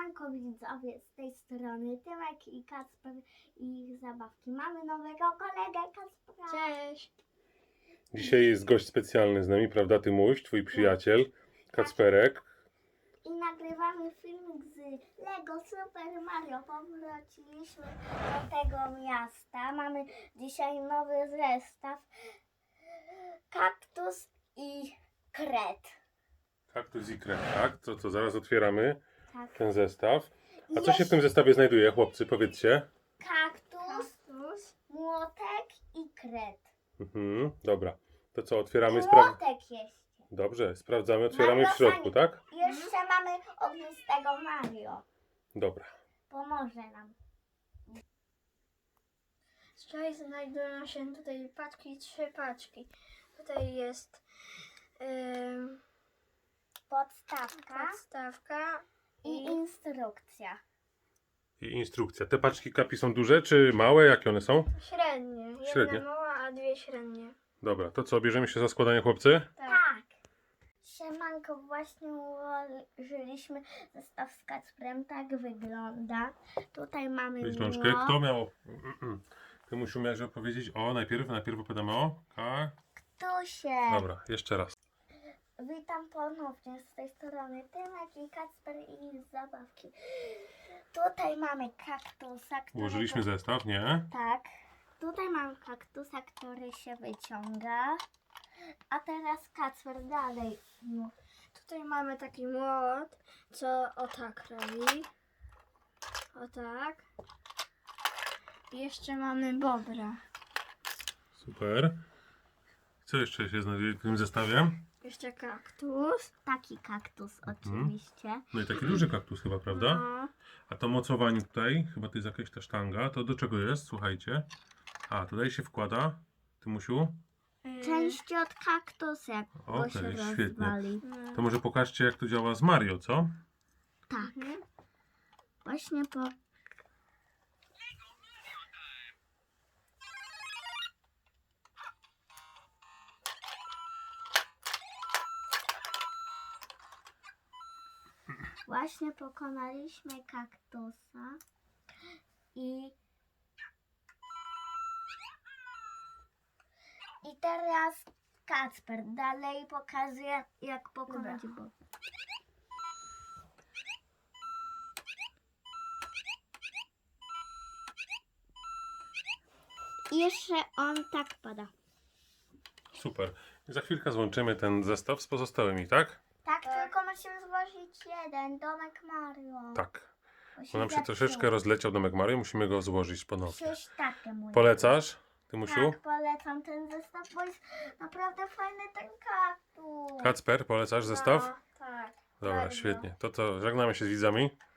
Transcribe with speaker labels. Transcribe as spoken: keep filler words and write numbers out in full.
Speaker 1: Siemanko widzowie, z tej strony Tymek i Kacper i ich zabawki. Mamy nowego kolegę Kacpra.
Speaker 2: Cześć.
Speaker 3: Dzisiaj jest gość specjalny z nami, prawda Tymuś, twój przyjaciel, Kacperek.
Speaker 1: I nagrywamy filmik z Lego Super Mario. Powróciliśmy do tego miasta. Mamy dzisiaj nowy zestaw. Kaktus i kret.
Speaker 3: Kaktus i kret, tak? To co, zaraz otwieramy
Speaker 1: Tak.
Speaker 3: ten zestaw. A co się w tym zestawie znajduje, chłopcy, powiedzcie?
Speaker 1: Kaktus, młotek i kret.
Speaker 3: Mhm, dobra. To co, otwieramy?
Speaker 1: I
Speaker 3: Spra...
Speaker 1: młotek jest.
Speaker 3: Dobrze, sprawdzamy, otwieramy w
Speaker 1: Mario
Speaker 3: środku,
Speaker 1: Sani-
Speaker 3: tak?
Speaker 1: Jeszcze mamy ognistego Mario.
Speaker 3: Dobra.
Speaker 1: Pomoże nam.
Speaker 2: Wczoraj znajdują się tutaj paczki, trzy paczki. Tutaj jest ym,
Speaker 1: Podstawka
Speaker 2: podstawka
Speaker 1: i
Speaker 2: i
Speaker 1: instrukcja.
Speaker 3: I instrukcja. Te paczki kapi są duże czy małe? Jakie one są?
Speaker 2: średnie. Jedna
Speaker 3: Średnie.
Speaker 2: mała, a dwie średnie.
Speaker 3: Dobra, to co, bierzemy się za składanie, chłopcy?
Speaker 2: Tak.
Speaker 1: Tak. Siemanko, właśnie ułożyliśmy zestaw z Kacprem. Tak wygląda. Tutaj mamy
Speaker 3: Weź rączkę.
Speaker 1: młot.
Speaker 3: Kto miał... Tymuś umiałeś opowiedzieć o, najpierw, najpierw opowiadamy o... Ka...
Speaker 1: Tusie.
Speaker 3: Dobra, jeszcze raz.
Speaker 1: Witam ponownie z tej strony Tymek i Kacper i ich zabawki. Tutaj mamy kaktusa, który...
Speaker 3: Ułożyliśmy zestaw, nie?
Speaker 1: Tak. Tutaj mam kaktusa, który się wyciąga. A teraz Kacper dalej. No.
Speaker 2: Tutaj mamy taki młot, co o tak robi. O tak. I jeszcze mamy bobra.
Speaker 3: Super. Co jeszcze się znajduje w tym zestawie?
Speaker 2: Jeszcze kaktus.
Speaker 1: Taki kaktus oczywiście.
Speaker 3: No i taki duży kaktus chyba, prawda?
Speaker 2: No.
Speaker 3: A to mocowanie tutaj, chyba to jest jakaś ta sztanga. To do czego jest? Słuchajcie. A, tutaj się wkłada, Tymusiu.
Speaker 2: Yy,
Speaker 1: Części od kaktusa, bo
Speaker 3: Okej,
Speaker 1: się
Speaker 3: świetnie.
Speaker 1: rozwali.
Speaker 2: no.
Speaker 3: To może pokażcie, jak to działa z Mario, co?
Speaker 1: Tak.
Speaker 2: Mhm.
Speaker 1: Właśnie po... Właśnie pokonaliśmy kaktusa i i teraz Kacper dalej pokazuje, jak pokonać
Speaker 2: Dobra.
Speaker 1: bo. I jeszcze on tak pada.
Speaker 3: Super. I za chwilkę złączymy ten zestaw z pozostałymi, tak?
Speaker 1: Tak, tylko musimy złożyć jeden, domek Mario.
Speaker 3: Tak.
Speaker 1: Bo
Speaker 3: Bo nam się
Speaker 1: zepsuł.
Speaker 3: troszeczkę rozleciał domek Mario, musimy go złożyć ponownie.
Speaker 1: Przecież takie mój.
Speaker 3: Polecasz, Tymusiu?
Speaker 1: Tak, polecam ten zestaw, bo jest naprawdę fajny ten kaktus.
Speaker 3: Kacper, polecasz zestaw?
Speaker 2: No, tak.
Speaker 3: Dobra,
Speaker 2: bardzo.
Speaker 3: świetnie. To co, żegnamy się z widzami.